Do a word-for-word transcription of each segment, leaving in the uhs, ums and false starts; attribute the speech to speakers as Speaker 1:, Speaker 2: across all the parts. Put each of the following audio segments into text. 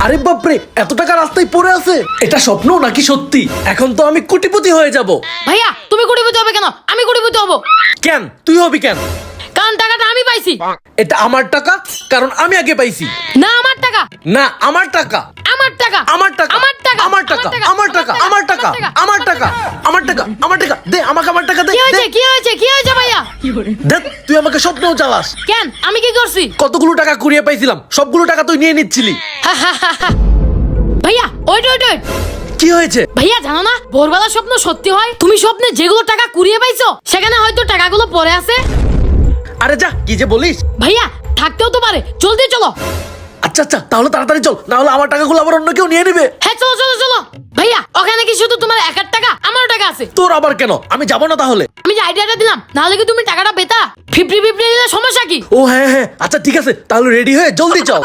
Speaker 1: আরে বাপরে, এত টাকা রাস্তায় পড়ে আছে, এটা স্বপ্ন নাকি সত্যি? এখন তো আমি কোটিপতি হয়ে যাব।
Speaker 2: ভাইয়া তুমি কোটিপতি হবে কেন? আমি কোটিপতি হব।
Speaker 1: কেন তুই হবি কেন?
Speaker 2: কারণ টাকাটা আমি পাইছি।
Speaker 1: এটা আমার টাকা, কারণ আমি আগে পাইছি।
Speaker 2: না আমার টাকা,
Speaker 1: না আমার টাকা,
Speaker 2: আমার টাকা,
Speaker 1: আমার টাকা,
Speaker 2: আমার টাকা,
Speaker 1: আমার টাকা, আমার টাকা, আমার টাকা, আমার টাকা, আমার টাকা, আমার টাকা, দে আমাকে আমার টাকা দে।
Speaker 2: কি হয়েছে কি হয়েছে কি হয়েছে ভাইয়া?
Speaker 1: দেখ তুই আমাকে স্বপ্নও চালাস।
Speaker 2: কেন আমি কি করছি?
Speaker 1: কতগুলো টাকা কুড়িয়ে পাইছিলাম, সবগুলো টাকা তুই নিয়ে নিচ্ছিলি।
Speaker 2: ভাইয়া ওইট ওইট ওইট
Speaker 1: কি হয়েছে?
Speaker 2: ভাইয়া জানো না ভোরবেলা স্বপ্ন সত্যি হয়? তুমি স্বপ্নে যেগুলো টাকা কুড়িয়ে পাইছো সেখানে হয়তো টাকাগুলো পড়ে আছে।
Speaker 1: আরে যা, কি যে বলিস।
Speaker 2: ভাইয়া থাকতেও তো পারে, জলদি চলো।
Speaker 1: আচ্ছা আচ্ছা, তাহলে তাড়াতাড়ি চল, না হলে আমার টাকাগুলো আবার অন্য কেউ নিয়ে নেবে।
Speaker 2: হ্যাঁ চলো চলো চলো। ভাইয়া ওখানে কি শুধু তোমার একার টাকা? আমারও টাকা আছে।
Speaker 1: তোর আবার কেন? আমি যাবো না তাহলে।
Speaker 2: আমি যে আইডিয়াটা দিলাম, নাহলে কি তুমি টাকাটা পেতা? ফিফটি ফিফটি দিলে সমস্যা কি?
Speaker 1: ও হ্যাঁ হ্যাঁ, আচ্ছা ঠিক আছে, তাহলে রেডি হয়ে জলদি চল।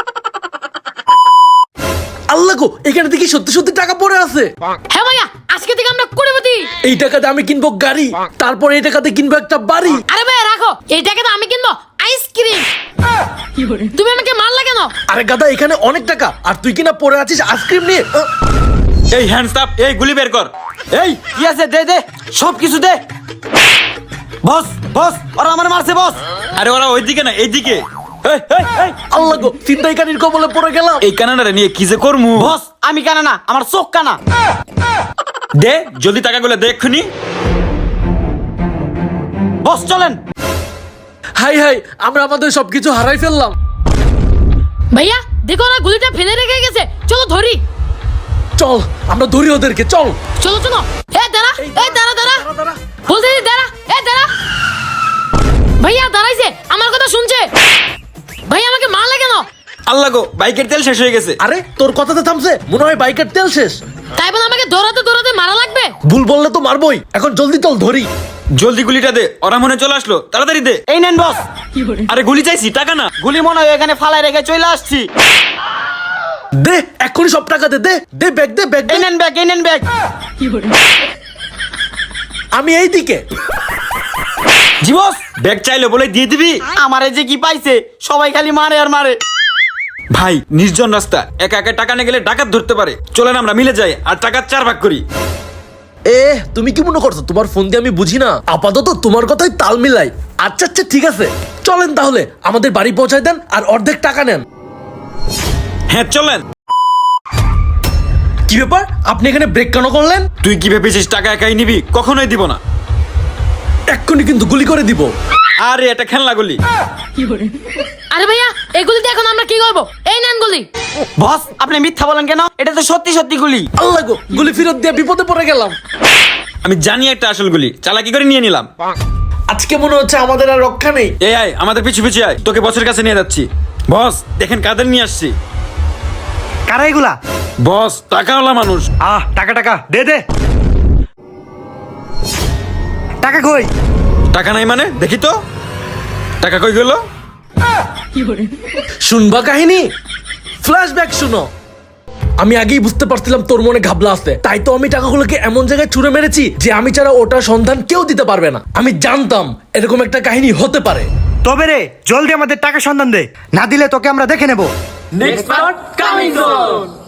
Speaker 1: আল্লাহ গো, এখানে দেখি সত্যি সত্যি টাকা পড়ে আছে।
Speaker 2: হ্যাঁ ভাইয়া আজকে থেকে আমরা কোটিপতি।
Speaker 1: এই টাকাতে আমি কিনবো গাড়ি, তারপর এই টাকাতে কিনবো একটা বাড়ি।
Speaker 2: আরে ভাইয়া রাখো, এই টাকাটা আমি কিনবো আইসক্রিম। তুমি আমাকে মারলা কেন?
Speaker 1: আরে গাদা, এখানে অনেক টাকা আর তুই কিনা পড়ে আছিস আইসক্রিম নিয়ে। আহ,
Speaker 3: এই হ্যান্ডস আপ, এই গুলি বের কর। এই কি আছে, দে দে সব কিছু দে। বস বস, ওরা আমার মারছে বস। আরে ওরা ওইদিকে না এইদিকে। এই এই এই
Speaker 1: আল্লাহ গো, ছিনতাইকারীর কবলে পড়ে গেলাম।
Speaker 3: এই কানাডারে নিয়ে কি যে করমু।
Speaker 4: বস আমি কানা না, আমার চোখ কানা।
Speaker 3: দে জলদি টাকাগুলো দে এক্ষুনি।
Speaker 4: বস চলেন।
Speaker 1: হাই হাই, আমরা আমাদের সবকিছু হারাই ফেললাম।
Speaker 2: ভাইয়া দেখো না গুলিটা ফেলে রেখে গেছে, চলো ধরি।
Speaker 1: চল আমরা ধরি ওদেরকে, চল।
Speaker 2: চলো চলো। এ দাঁড়া, এ দাঁড়া দাঁড়া,
Speaker 1: দাঁড়া, দাঁড়া।
Speaker 2: বলতে দি দাঁড়া, এ দাঁড়া। ভাইয়া দাঁড়াইছে, আমার কথা শুনছে। ভাইয়া আমাকে মারলে কেন?
Speaker 3: আল্লাহ গো, বাইকের তেল শেষ হয়ে গেছে।
Speaker 1: আরে তোর কথাতে থামছে, মনে হয় বাইকের তেল শেষ।
Speaker 2: তাই বলে আমাকে দৌড়াতে দৌড়াতে মারা লাগবে?
Speaker 1: ভুল বললে তো মারবই, এখন জলদি চল ধরি।
Speaker 3: জলদি গুলিটা দে, ওরা মনে চলে আসলো, তাড়াতাড়ি দে।
Speaker 4: এই নেন বস।
Speaker 3: আরে গুলি চাইছি, টাকা না।
Speaker 4: গুলি মনে হয় এখানে ফালাই রেখে চলে আসছি।
Speaker 1: দে এক্ষুনি সব টাকা দে, দে দে ব্যাগ দে, ব্যাগ দে।
Speaker 4: এই নেন ব্যাগ, এই নেন ব্যাগ।
Speaker 1: আমি এই দিকে।
Speaker 3: জি বস, ব্যাগ চাইলে বলে দিয়ে দিবি।
Speaker 4: আমারে যে কি পাইছে, সবাই খালি মারে আর মারে।
Speaker 3: ভাই নির্জন রাস্তা, একা একা টাকা নিয়ে গেলে ডাকাত ধরতে পারে। চলেন আমরা মিলে যাই আর টাকা চার ভাগ করি।
Speaker 1: এ তুমি কি মনে করছো তোমার ফোন দিয়ে আমি বুঝি না? আপাতত তোমার কথাই তাল মিলাই। আচ্ছা আচ্ছা ঠিক আছে, চলেন তাহলে আমাদের বাড়ি পৌঁছায় দেন আর অর্ধেক টাকা নেন।
Speaker 3: হ্যাঁ চলেন।
Speaker 1: কি ব্যাপার, আপনি এখানে ব্রেক কেন করলেন?
Speaker 3: তুই কি ভেবেছিস টাকা একাই নিবি? কখনোই দিব না।
Speaker 1: এক্ষুনি কিন্তু গুলি করে দিব।
Speaker 3: আরে এটা খেলনা গুলি।
Speaker 2: আরে ভাইয়া এগুলি দিয়ে এখন আমরা কি করবো? এই নেন গুলি।
Speaker 4: বস আপনি মিথ্যা বলেন কেন? এটা তো সত্যি সত্যি গুলি।
Speaker 1: আল্লাহ গো, গুলি ফেরত দিয়ে বিপদে পড়ে গেলাম।
Speaker 3: আমি জানি একটা আসল গুলি, চালাকি করে নিয়ে নিলাম।
Speaker 1: আজকে মনে হচ্ছে আমাদের আর রক্ষা নেই।
Speaker 3: এই আয় আমাদের পিছু পিছু আয়, তোকে বসের কাছে নিয়ে যাচ্ছি। বস দেখেন কাদের নিয়ে আসছি।
Speaker 5: কারা এগুলা?
Speaker 3: বস টাকাওয়ালা মানুষ।
Speaker 5: আহ টাকা টাকা দে দে। টাকা কই?
Speaker 3: টাকা নাই মানে? দেখি তো টাকা কই গেল।
Speaker 1: শুনবা কাহিনী, ফ্ল্যাশব্যাক শুনো। আমি আগেই বুঝতে পারছিলাম তোর মনে ঘাবলা আছে, তাই তো আমি টাকাগুলোকে এমন জায়গায় ছুঁড়ে মেরেছি যে আমি ছাড়া ওটার সন্ধান কেউ দিতে পারবে না। আমি জানতাম এরকম একটা কাহিনী হতে পারে।
Speaker 5: তবে রে জলদি আমাদের টাকা সন্ধান দে, না দিলে তোকে আমরা দেখে নেব।
Speaker 1: নেক্সট পার্ট কামিং সুন।